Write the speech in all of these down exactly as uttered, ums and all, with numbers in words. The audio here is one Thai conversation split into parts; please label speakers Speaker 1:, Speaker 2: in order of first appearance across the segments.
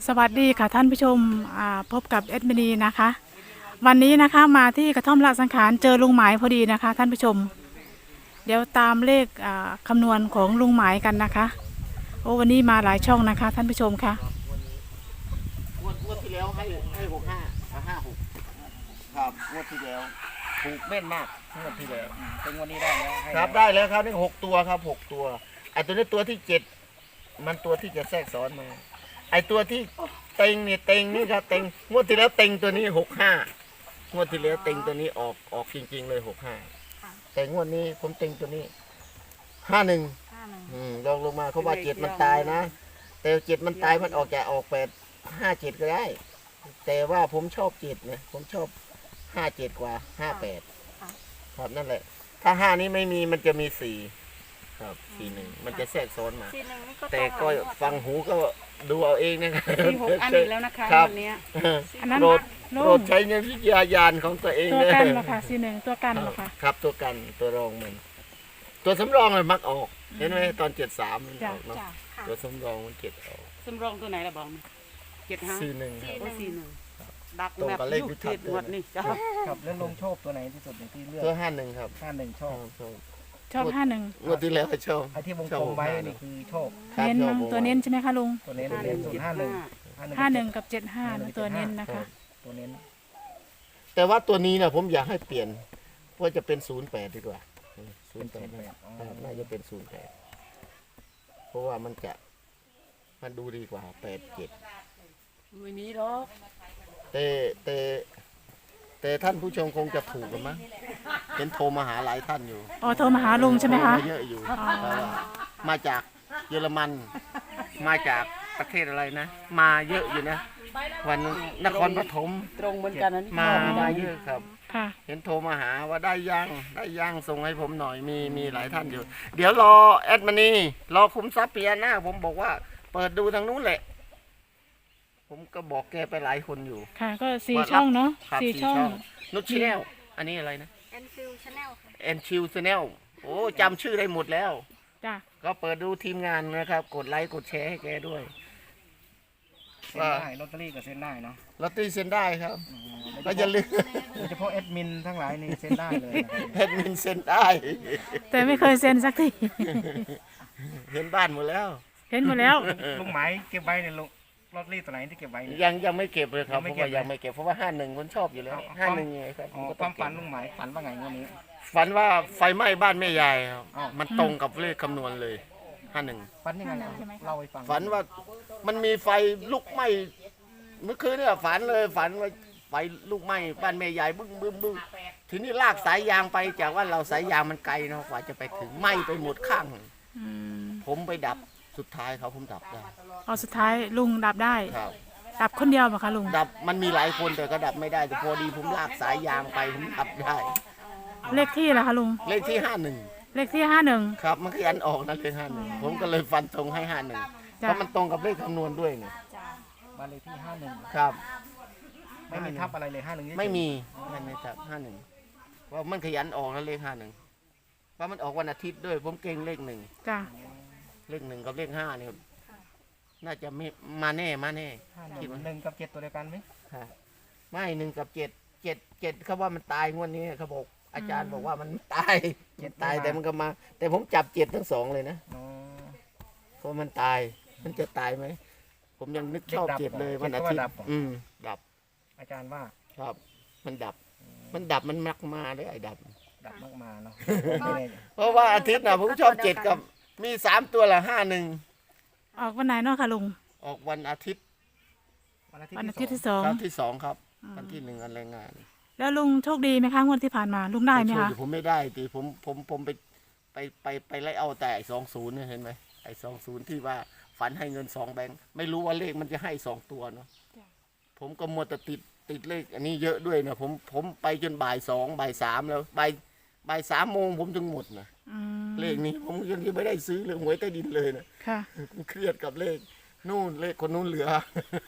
Speaker 1: สวัสดีค่ะท่านผู้ชมพบกับเอ็ดมินีนะคะวันนี้นะคะมาที่กระท่อมละสังขารเจอลุงหมายพอดีนะคะท่านผู้ชมเดี๋ยวตามเลขคำนวณของลุงหมายกันนะคะโอ้วันนี้มาหลายช่องนะคะท่านผู้ชมค่ะ
Speaker 2: งวดงวดที่แล้วให้ให้หกห้าห้าหกครับงวดที่แล้วถูกแม่นมากงวดที่แล้ว
Speaker 3: เป็นวันนี้ได้แล้ว
Speaker 2: ครับได้แล้วครับนี่หกตัวครับหกตัวไอตัวนี้ตัวที่เจ็ดมันตัวที่จะแทรกซ้อนมาไอตัวที่เต็งเนี่ยเต็งนี่ครับเต็งงวดที่แล้วเต็งตัวนี้หกห้างวดที่แล้วเต็งตัวนี้ออกออกจริงๆเลยหกห้าแต่งวดนี้ผมเต็งตัวนี้ห้าหนึ่งลองลงมาเขาว่าเจ็ดมันตายนะแต่เจ็ดมันตายมันออกจะออกแปดห้าเจ็ดก็ได้แต่ว่าผมชอบเจ็ดนะผมชอบห้าเจ็ดกว่าห้าแปดครับนั่นแหละถ้าห้านี้ไม่มีมันจะมีสี่ครับสี่หนึ่งมันจะแทรกซ้อนมาแต่ก็ฟังหูก็ดูเอาเองนะครับ
Speaker 3: สี่หกอันอีกแล้วนะคะวันนี้
Speaker 1: อันนั้น
Speaker 2: โปรดโปรดใช้ในวิทยาญาณของตัวเอง
Speaker 1: ตัวกันเหรอคะสี่หนึ่งตัวกันเหรอคะ
Speaker 2: ครับตัวกันตัวรองมันตัวสำรองเลยมักออกเห็นไหมตอนเจ็ดสามมันออกเนาะตัวสำรองมันเจ็ดออก
Speaker 3: สำรองตัวไหนล่ะบอกเจ็ดห้า
Speaker 2: สี่หนึ่งครับ
Speaker 3: สี่หนึ่งดักแบบยุคเจ็ดหมดนี่จ้า
Speaker 4: ครับแล้วลงโชคตัวไหนที่สุดในที่เลือก
Speaker 2: ตัวห้าหนึ่งครับ
Speaker 4: ห้าหนึ่งชอบ
Speaker 1: ชอบห้าหนึ่ง
Speaker 2: งวดที่แล้วชอบ
Speaker 4: ไอ้ที่วงกลมไว้นี่คือโชค
Speaker 1: เน้นตัวเน้นใช่ไหมคะลุง
Speaker 4: ตัวเน้นเน้นศูนย์ห้าหนึ่ง
Speaker 1: ห้าหนึ่งกับเจ็ดห้าตัวเน้นนะคะ
Speaker 4: ตัวเน้น
Speaker 2: แต่ว่าตัวนี้นะผมอยากให้เปลี่ยนเพราะจะเป็นศูนย์แปดดีกว่าศูนย์แปดน่าจะเป็นศูนย์แปดเพราะว่ามันจะมันดูดีกว่าแปดเจ็ด
Speaker 3: ไม่มีหรอก
Speaker 2: แต่แต่แต่ท่านผู้ชมคงจะถูกกันมั้งเห็นโทรมาหาหลายท่านอยู่
Speaker 1: อ๋อโทรมาหาลุงใช่ไหมคะ
Speaker 2: เยอะอยู่มาจากเยอรมันมาจากประเทศอะไรนะมาเยอะอยู่นะวันนครปฐม
Speaker 3: ตรงเหมือนกันนั้น
Speaker 2: มามาเยอะครับเห็นโทรมาหาว่าได้ย่างได้ย่างส่งให้ผมหน่อยมีมีหลายท่านอยู่เดี๋ยวรอแอดมานีรอคุ้มทรัพย์เปียหน้าผมบอกว่าเปิดดูทางนู้นแหละผมก็บอกแกไปหลายคนอยู่
Speaker 1: ค่ะก็สี่ช่องเนาะสี่ช่อง
Speaker 2: นุชชแนลอันนี้อะไรนะ
Speaker 5: แอนฟิลชาแนลค่ะ
Speaker 2: แอนชิลชแนลโอ้จำชื่อได้หมดแล้ว
Speaker 1: จ้ะ
Speaker 2: ก็เปิดดูทีมงานนะครับกดไลค์กดแชร์ให้แกด้วย
Speaker 4: เซ็นได้ลอตเตอรี่ก็เซ็นได้เนาะ
Speaker 2: ลอตเตอรี่เซ็นได้ครับก็อย่าลืม
Speaker 4: โดยเฉพาะแอดมินทั้งหลายนี่เซ็นได้เลย
Speaker 2: แอดมินเซ็นได้
Speaker 1: แต่ไม่เคยเซ็นสักที
Speaker 2: เห็นบ้านหมดแล้ว
Speaker 1: เห็นหมดแล้ว
Speaker 4: ลุงหมายเก็บไว้ในลุงลอตเตอรี่ตัวไหนที่เก็บไว้
Speaker 2: ยังยังไม่เก็บเลยครับเพราะว่ายังไม่เก็บเพราะว่าห้าหนึ่งคนชอบอยู่แล้วห้าหนึ่งไงครับ
Speaker 4: ความฝันลุงหมายฝันว่าไงวันนี้
Speaker 2: ฝันว่าไฟไหม้บ้านแม่ยายครับมันตรงกับเลขคำนวณเลยห้าหนึ่ง
Speaker 4: ฝันยังไงเล่าให้ฟัง
Speaker 2: ฝันว่ามันมีไฟลุกไหม้เมื่อคืนเนี่ยฝันเลยฝันว่าไฟลุกไหม้บ้านแม่ยายบึ้งบึ้งบึ้งทีนี้ลากสายยางไปจากว่าเราสายยางมันไกลเนาะกว่าจะไปถึงไหม้ไปหมดข้างผมไปดับสุดท้ายเขาผมดับได้
Speaker 1: เอาสุดท้ายลุงดับได้
Speaker 2: ครับ
Speaker 1: ดับคนเดียวป่ะคะลุง
Speaker 2: ดับมันมีหลายคนแต่ก็ดับไม่ได้แต่พอดีผมลากสายยางไปผมดับได้
Speaker 1: เลขที่ล่ะคะลุง
Speaker 2: เลขที่ห้าหนึ่ง
Speaker 1: เลขที่ห้าหนึ่ง
Speaker 2: ครับมันขยันออกนะเลขห้าหนึ่งผมก็เลยฟันตรงให้ห้าหนึ่งเพราะมันตรงกับเลขคำนวณด้วยไง
Speaker 4: บ้านเลขที่ห้าหนึ่ง
Speaker 2: ครับ
Speaker 4: ไม่มีทับอะไรเลยห้าหนึ่ง
Speaker 2: ไม่มีไม่มีทับห้าหนึ่งว่ามันขยันออกนะเลขห้าหนึ่งว่ามันออกวันอาทิตย์ด้วยผมเก่งเลขหนึ่ง
Speaker 1: จ้ะ
Speaker 2: เลขหนึ่งกับเลขห้าเนี่ยน่าจะไม่มาแน่มาแน่
Speaker 4: คิดว่าหนึ่งกับเจ็ดตัวเดียวกันไหม
Speaker 2: ไม่หนึ่งกับเจ็ดเจ็ดเจ็ดเขาว่ามันตายงวดนี้เขาบอกอาจารย์บอกว่ามันตายเจ็ดตายแต่มันก็มา แต่ผมจับเจ็ดทั้งสองเลยนะเพราะมันตายมันจะตายไหมผมยังนึกชอบเจ็ดเลยวันอาทิตย์อืมดับ
Speaker 4: อาจารย์ว่า
Speaker 2: ครับมันดับมันดับมันมักมาเลยไอ้ดับ
Speaker 4: ดับมากมาเนาะ
Speaker 2: เพราะว่าอาทิตย์น่ะผมชอบเจ็ดกับมีสามตัวละห้าหนึ่ง
Speaker 1: ออกวันไหนเนาะค่ะลุง
Speaker 2: ออกวันอาทิตย์
Speaker 1: วันอาทิตย์ที่สอง
Speaker 2: วันที่สองครับวันที่หนึ่งวันแรงงาน
Speaker 1: แล้วลุงโชคดีไหมคะงวดที่ผ่านมาลุงได้ไหมคะ
Speaker 2: ผมไม่ได้ตีผมผมผมไปไปไปไปไล่เอาแต่สองศูนย์เนี่ยเห็นไหมไอ้สองศูนย์ที่ว่าฝันให้เงินสองแบงค์ไม่รู้ว่าเลขมันจะให้สองตัวเนาะผมก็มัวแต่ติดติดเลขอันนี้เยอะด้วยนะผมผมไปจนบ่ายสองบ่ายสามแล้วบ่ายบ่ายสามโมงผมจึงหมดนะเลขนี้ผมยังไม่ได้ซื้อเลยหวยใต้ดินเลยนะ
Speaker 1: ค่ะ
Speaker 2: เครียดกับเลขนู่นเลขคนนู้นเหลือ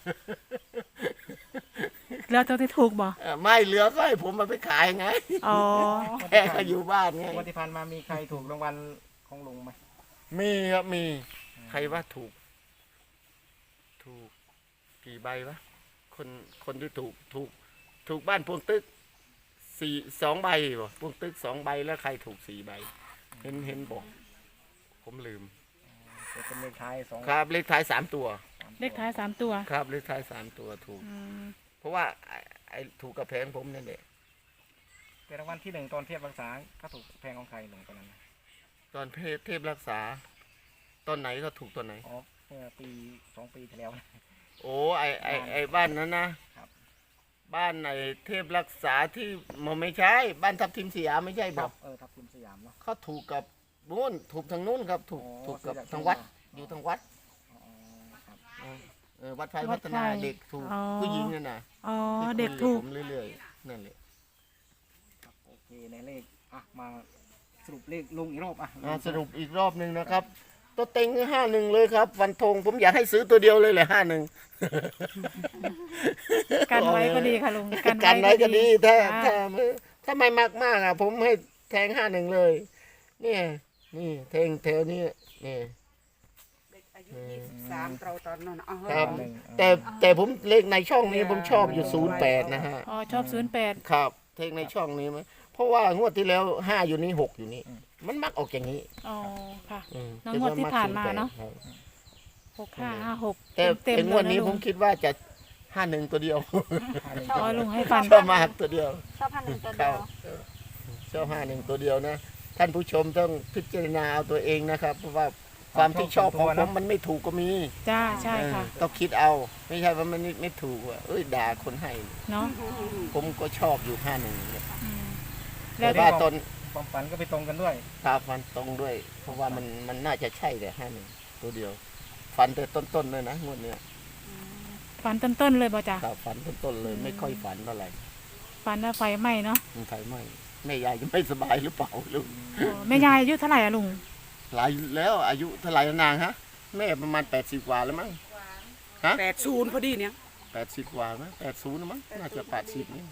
Speaker 1: เหลือตัวที่ถูกบ่
Speaker 2: ไม่เหลือก็ให้ผมมาไปขายไง
Speaker 1: อ๋อ
Speaker 2: แค่ก็อยู่บ้านไง
Speaker 4: วันที่ผ่านมามีใครถูกรางวัลของลุงไหม
Speaker 2: มีครับมีใครว่าถูกถูกกี่ใบวะคนคนที่ถูกถูกถูกบ้านพวงตึกสี่สองใบบ่พวงตึกสองใบแล้วใครถูกสี่ใบ เห็นเห็นบอก ผมลืม
Speaker 4: จะเป็นเลขท้ายสอง
Speaker 2: ครับเลขท้ายสามตัว
Speaker 1: เลขท้ายสามตัว
Speaker 2: ครับเลขท้ายสามตัวถูก
Speaker 1: อืม
Speaker 2: เพราะว่าไอ้ไอ้ถูกกับแพงผมนั่นแหละ
Speaker 4: เป็นรางวัลที่หนึ่งตอนเทียบรักษาก็ถูกแพงของใครหลวงตอนนั้นนะ
Speaker 2: ตอนเพศเทพรักษาตอนไหนก็ถูกตอนไหน
Speaker 4: อ๋อเมื่อปีสองปีที่แล้วนะ
Speaker 2: โอ้ไอไอไอบ้านนั้นนะครับ บ้านไอเทพรักษาที่มันไม่ใช่ บ้านทับทิมสยามไม่ใช่บอก
Speaker 4: เออทับทิมสยามเนาะ
Speaker 2: เขาถูกกับนู้นถูกทางนู้นครับ ถูก
Speaker 4: อ๋อ
Speaker 2: ถูกกับ
Speaker 4: ซื้อจาก
Speaker 2: ทางวัด
Speaker 4: ที่
Speaker 2: อยู่ทางวัด
Speaker 4: อ๋อครับ
Speaker 2: เออเออวัดไฟพัฒนาเด็กถูกผู้หญิงนั่นน่ะ
Speaker 1: อ๋อ
Speaker 2: ที่
Speaker 1: เด็ก
Speaker 2: คุย
Speaker 1: ถูก
Speaker 2: ผมเรื่อยๆนั่นแหละ
Speaker 4: ครับโอเคในเลขอ่ะมาสรุปเลขลุงอีกรอบอ่ะ
Speaker 2: อ่าสรุปอีกรอบหนึ่งนะครับ ตัวเต็งห้าหนึ่งเลยครับวันธงผมอยากให้ซื้อตัวเดียวเลยแหละห้าหนึ่ง
Speaker 1: กันไว้ก็ดีค่ะลุง
Speaker 2: กันไว้ก็ดีถ้า
Speaker 1: จ้
Speaker 2: ถ้าถ้าไม่มากมากอ่ะ ผมให้แทงห้าหนึ่งเลย เนี่ยนี่แทงแถวนี้นี่
Speaker 3: เด็กอายุยี่สิบสามเราตอนนั้นเอา
Speaker 2: ครับ
Speaker 4: หนึ่ง
Speaker 2: แต่แต่ผมเลขในช่องนี้ผมชอบอยู่ศูนย์แปดนะฮะ
Speaker 1: อ๋อชอบศูนย์แปด
Speaker 2: ครับเลขในช่องนี้ไหมเพราะว่างวดที่แล้วห้าอยู่นี่หกอยู่นี่ มันมักออกอย่างนี้
Speaker 1: อ๋อค่ะ
Speaker 2: อืม
Speaker 1: แล้วงวดที่ผ่านมาเนอะ
Speaker 2: ครับ
Speaker 1: หกห้าห้าหก
Speaker 2: แต่
Speaker 1: เต็ม
Speaker 2: แต่
Speaker 1: ๆ
Speaker 2: ง
Speaker 1: เล
Speaker 2: วย ด
Speaker 1: นะ
Speaker 2: นี้
Speaker 1: ลุ
Speaker 2: ผ
Speaker 1: ง
Speaker 2: มคิดว่าจะห้าหนึ่งตัวเดียว
Speaker 4: ห้าหนึ่ง
Speaker 1: อ๋อลุงให้ฟัน
Speaker 2: ชอบมากตัวเดียว
Speaker 5: ชอบพันหนึ่งตัว
Speaker 2: ค
Speaker 5: เดี
Speaker 2: รั
Speaker 5: ย
Speaker 2: บ
Speaker 5: ว
Speaker 2: ชอบห้าหนึ่งตัวเดียวนะ ท่านผู้ชมต้องพิจารณาเอาตัวเองนะครับ เพราะว่าความที่ชอบของผมมันไม่ถูกก็มี
Speaker 1: จ้าใช่ค่ะ
Speaker 2: เออต้องคิดเอา ไม่ใช่ว่ามันไม่ไม่ถูกว่าเอ้ยด่าคนให้
Speaker 1: เนาะ
Speaker 2: ผมก็ชอบอยู่ห้าหนึ่ง
Speaker 1: อืม
Speaker 2: แต่
Speaker 1: แล้ว
Speaker 2: ว่าตอน
Speaker 4: ความฝันก็ไปตรงกันด้วย
Speaker 2: ตาฟันตรงด้วย เพราะว่ามันมันน่าจะใช่แต่ห้าหนึ่งตัวเดียว ฟันแต่ต้นๆเลยนะงวดเนี้ย
Speaker 1: ฝันต้นๆเลยบ่จ้ะ
Speaker 2: ตาฟันต้นๆเลยไม่ค่อยฝันเท่าไหร่
Speaker 1: ฝันว่าไฟไหม้เนาะ
Speaker 2: มันไฟไหม้แม่ยายจะไม่สบายหรือเปล่าลูก
Speaker 1: อ๋อแม่ยายอายุเท่าไหร่อะลุง
Speaker 2: หลายแล้วอายุเท่าไหร่แล้วนางฮะแม่ประมาณแปดสิบกว่าแล้วมั้ง
Speaker 3: แปดศูนย์พอดีเนี่ย
Speaker 2: แปดสิบกว่ามั้งแปดศูนย์มั้งน่าจะแปดสิบนี่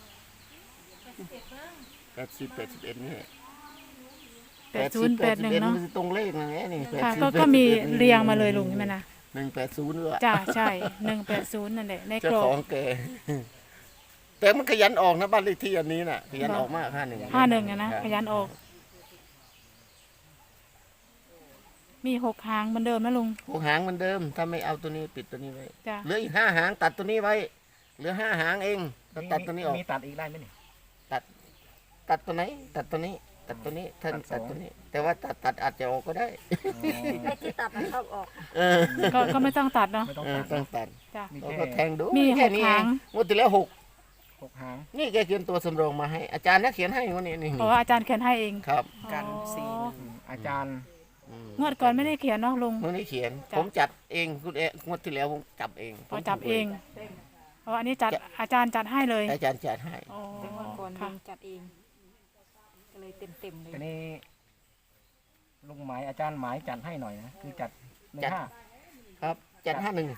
Speaker 2: แปดสิบแปดสิบเอ็ดนี่
Speaker 1: แปดศูนย์แปดหนึ่งเนาะ
Speaker 2: มันตรงเลขนะเนี่ยนี่
Speaker 1: ค่ะ
Speaker 2: แปดสิบ
Speaker 1: ก็ก็มีเรียงมาเลยลุงใช่ไหมนะ
Speaker 2: หนึ่งแปดศูนย์ด้วย
Speaker 1: จ้าใช่หนึ่งแปดศูนย์นั่นแหละในก
Speaker 2: เจ้าร
Speaker 1: อ
Speaker 2: ข
Speaker 1: บ
Speaker 2: องแกแต่มันขยันออกนะบ้านเลขที่อันนี้น่ะขยันออกมากห้าหนึ่ง
Speaker 1: ห้าหนึ่งอะนะขยันออก มีหกหางเหมือนเดิมนะลุง
Speaker 2: หกหางเหมือนเดิม ถ้าไม่เอาตัวนี้ปิดตัวนี้ไว้
Speaker 1: จ้า
Speaker 2: เหลืออีกห้าหางตัดตัวนี้ไว้เหลือห้าหางเองก็ตัดตัวนี้ออก
Speaker 4: มีตัดอีกได้ไหมนี่
Speaker 2: ตัดตัวไหน ตัดตัวนี้ ตัดตัวนี้ท่าน
Speaker 4: ตั
Speaker 2: ตั
Speaker 4: ด
Speaker 2: ด
Speaker 4: สอง
Speaker 2: ตัวนี้ แต่ว่าตัดตัดอาจจะออกก็ได้
Speaker 4: อ๋อ
Speaker 5: ไอ้ที่ตัดมันชอบออก
Speaker 2: เออ
Speaker 1: ก็ก็ไม่ต้องตัดเนาะ
Speaker 4: ไม่ต้อง
Speaker 2: เออ
Speaker 4: ตัด
Speaker 2: ต้องตัด
Speaker 1: จ้า
Speaker 4: มี
Speaker 2: เรา
Speaker 4: แค่
Speaker 2: ก็แทงดู
Speaker 1: มี
Speaker 2: แค่นี้
Speaker 1: หก
Speaker 2: เอ
Speaker 1: หาง ง
Speaker 2: งวดที่แล้วหก
Speaker 4: หกหาง
Speaker 2: นี่แกเขียนตัวสำรองมาให้ อาจารย์นักเขียนให้งวดนี้นี่
Speaker 1: เพราะว่าอาจารย์เขียนให้เอง
Speaker 2: ครับ
Speaker 3: กันสี่
Speaker 1: อ๋อ
Speaker 4: อืมอาจารย์
Speaker 2: อืม
Speaker 1: งวดก่อนไม่ได้เขียนเนาะลุง
Speaker 2: งวดนี้เขียน
Speaker 1: จ้ะ
Speaker 2: ผมจัดเองคุณเองวดที่แล้วผมจับเอง
Speaker 1: พอจับเองเพราะอันนี้จัดอาจารย์จัดให้เลย
Speaker 2: อาจารย์จัดให้
Speaker 1: อ๋อ
Speaker 5: แต่ว่าก่อน
Speaker 1: ค่ะ
Speaker 5: ลุงจัดเอง ก็เลยเต็มเต็มๆเลย
Speaker 4: ทีนี้ลุงหมายอาจารย์หมายจัดให้หน่อยนะคือจัดหนึ่งห้า
Speaker 2: ครับ จัดห้าหนึ่ง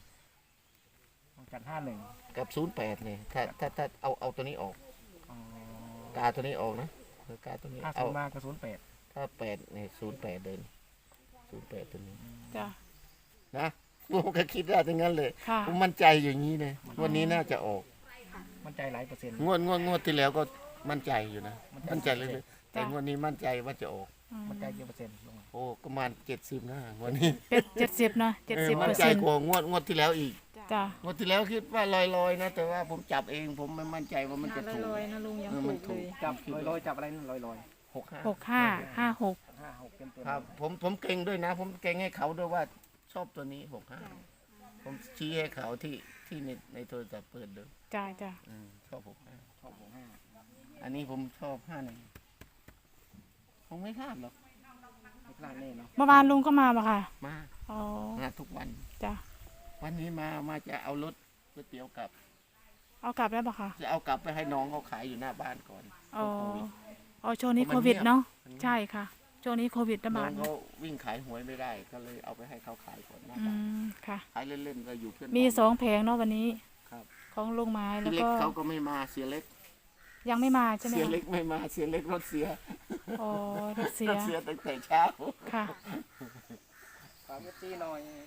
Speaker 4: จัดห้าหนึ่ง
Speaker 2: กับศูนย์แปดเนี่ยถ้าถ้าถ้าเอาเอาตัวนี้ออก กาตัวนี้ออกนะเออกาตัวนี้
Speaker 4: ห้าศู
Speaker 2: เอา
Speaker 4: นย์มากระสุนย์แปด
Speaker 2: ถ้าแปดเนี่ยศูนย์แปดเดินศูนย์แปดตัวนี้
Speaker 1: จ้า
Speaker 2: นะผมก็คิดได้ทั้งนั้นเลย
Speaker 1: ค่ะ
Speaker 2: ผมมั่นใจอย่างนี้เลยวันนี้น่าจะออก
Speaker 4: มั่นใจหลายเปอร์เซ็นต์
Speaker 2: งวดงวดงวดที่แล้วก็มั่นใจอยู่นะ มั่นใจเลยเลยแต่งวดนี้มั่นใจว่าจะออก
Speaker 1: อืม
Speaker 4: มั่นใจกี่เปอร์เซ็นต์ลุง
Speaker 2: โอ้ประมาณเจ็ดสิบนะงวันนี้
Speaker 1: เป็นเจ็ดสิบเนาะเจ็ด
Speaker 2: เออ
Speaker 1: สิบ
Speaker 2: มั่
Speaker 1: เปอน ร์
Speaker 2: ใจ
Speaker 1: เซ็นต์
Speaker 2: กว่างวดงวดที่แล้วอีก
Speaker 1: จ้าง
Speaker 2: วดที่แล้วคิดว่าลอยๆนะ แต่ว่าผมจับเองผมไม่มั่นใจว่ามันจะถูก
Speaker 5: ลอยๆนะลุงยัง
Speaker 2: เออ
Speaker 5: ถู
Speaker 2: มัน
Speaker 5: ก
Speaker 2: ถู
Speaker 5: เล
Speaker 2: ก
Speaker 5: ย
Speaker 4: จับลอยๆจับอะไรนั่นลอย
Speaker 2: หกห้า
Speaker 1: หกห้าห้าหก
Speaker 4: ๆห้าหกเต็มเต็ม
Speaker 2: ครับผมผมเก่งด้วยนะ ผมเก่งให้เขาด้วยว่าชอบตัวนี้หกห้าผมชี้ให้เขาที่ที่ในในโทรศัพท์เปิดดู
Speaker 1: จ้าจ้า
Speaker 2: อืมชอบหกห้า
Speaker 4: ชอบหกห้า
Speaker 2: อันนี้ผมชอบห้าหนึ่งคงไม่พลาดหรอก
Speaker 4: ไม่พลาดแน่เนาะ
Speaker 1: เมื่อวานลุงก็มาปะค่ะ
Speaker 2: มา
Speaker 1: อ๋อ
Speaker 2: มาทุกวัน
Speaker 1: จ้า
Speaker 2: วันนี้มามาจะเอารถก๋วยเตี๋ยวกลับ
Speaker 1: เอากลับแล้วปะค่ะ
Speaker 2: จะเอากลับไปให้น้องเขาขายอยู่หน้าบ้านก่อน
Speaker 1: อ๋อ
Speaker 2: โควิด
Speaker 1: อ๋อช่วงนี้
Speaker 2: เพ
Speaker 1: โค
Speaker 2: ราะมัน
Speaker 1: วิดเนาะ
Speaker 2: เงียบ
Speaker 1: ใช่ค่ะช่วงนี้โควิดระ
Speaker 2: น้
Speaker 1: บา
Speaker 2: อ
Speaker 1: ด
Speaker 2: งเขาวิ่งขายหวยไม่ได้ ก็เลยเอาไปให้เขาขายก่อนหน้า
Speaker 1: อื
Speaker 2: บ้าน
Speaker 1: มค่ะ
Speaker 2: ขายเล่นๆก็อยู่เพื่อน
Speaker 1: มี
Speaker 2: บ้าน
Speaker 1: สองแผงเนาะวันนี้
Speaker 2: ครับ
Speaker 1: ของลุงไม้แล้
Speaker 2: เสี
Speaker 1: วย
Speaker 2: เล็ก
Speaker 1: ก็
Speaker 2: เขาก็ไม่มาเสียเล็ก
Speaker 1: ยังไม่มาใช่ไหม
Speaker 2: เสีย
Speaker 1: คะ
Speaker 2: เล็กไม่มาเสียเล็กรถเสีย
Speaker 1: อ๋อรถเสี
Speaker 2: ร
Speaker 1: ย
Speaker 2: ถเสียตั้งแต่เช้า
Speaker 1: ค่ะ
Speaker 4: ฝากเอฟซีหน่อยลุง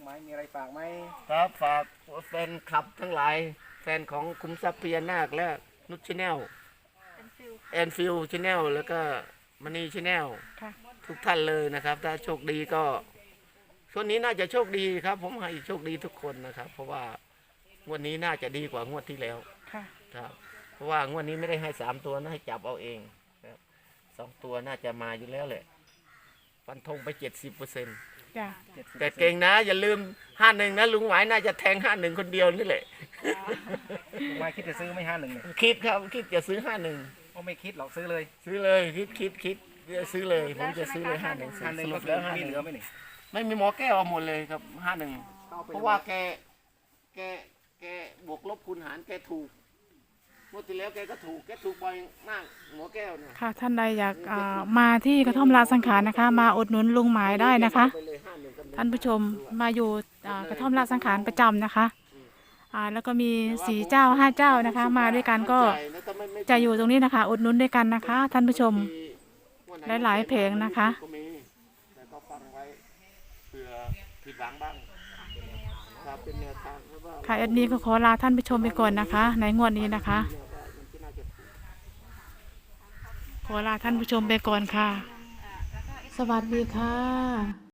Speaker 4: งหมายมีอะไรฝากไหม
Speaker 2: ครับฝากแฟนคลับทั้งหลาย แฟนของคุมทรัพย์พญานาคและนุชชแนลแอนฟิลชแนลแล้วก็มณีชแนล
Speaker 1: ค่ะ
Speaker 2: ทุกท่านเลยนะครับ ถ้าโชคดีก็ช่วงนี้น่าจะโชคดีครับ ผมให้โชคดีทุกคนนะครับ เพราะว่างวดนี้น่าจะดีกว่างวดที่แล้ว
Speaker 1: ค่ะ
Speaker 2: ครับ เพราะว่างวดนี้ไม่ได้ให้สามตัวนะให้จับเอาเองครับสองตัวน่าจะมาอยู่แล้วแหละฟันธงไปเจ็ดสิบเปอร์เซ็นต์
Speaker 1: จ้ะ
Speaker 2: แต่เก่งนะ อย่าลืมห้าหนึ่งนะลุงหมายน่าจะแทงห้าหนึ่งคนเดียวนี่แหละ
Speaker 4: ลุงหมายคิดจะซื้อไม่ห้าหนึ่งเนี่ย
Speaker 2: คิดครับคิดจะซื้อห้าหนึ่ง
Speaker 4: ก็ไม่คิดหรอกซื้อเลย
Speaker 2: ซื้อเลยคิดคิดคิดจะซื้อเลย ผมจะซื้อเลยห้าหนึ่ง
Speaker 4: ห้าหนึ่ง
Speaker 2: ส
Speaker 4: ก็
Speaker 2: รุป
Speaker 4: คือ
Speaker 2: แล้วห้าห
Speaker 4: มี
Speaker 2: นึ่ง
Speaker 4: เหลือไหมนี่
Speaker 2: ไม่มีหมอแก้วเอาหมดเลยครับห้าหนึ่งเพราะว่าแกแกแกบวกลบคูณหารแกถูกเมื่อที่แล้วแกก็ถูกแกถูกบ่อยมากหมอแก้วเนี่ย
Speaker 1: ค่ะท่านใดอยากอ่ามาที่กระท่อมลาสังขารนะคะ มาอุดหนุนลุงหมายได้นะคะ
Speaker 2: ไปเลยห้าหนึ่งกับหง
Speaker 1: ท่านผู้ชมมาอยู่อ่ากระท่อมลาสังขารประจำนะคะอ่าแล้วก็มีสี่เจ้าห้าเจ้านะคะ มาด้วยกันก็จะอยู่ตรงนี้นะคะ อุดหนุนด้วยกันนะคะ ท่านผู้ชม หลายๆเพลงนะคะ
Speaker 2: ก็มีแต่ก็ฟังไว้เผื่อผิดหวังบ้างครับเป็นแนวทางเพราะว่า
Speaker 1: ค่ะเอ็ดมีก็ขอลาท่านผู้ชมไปก่อนนะคะ ในงวดนี้นะคะ ขอลาท่านผู้ชมไปก่อนค่ะ สวัสดีค่ะ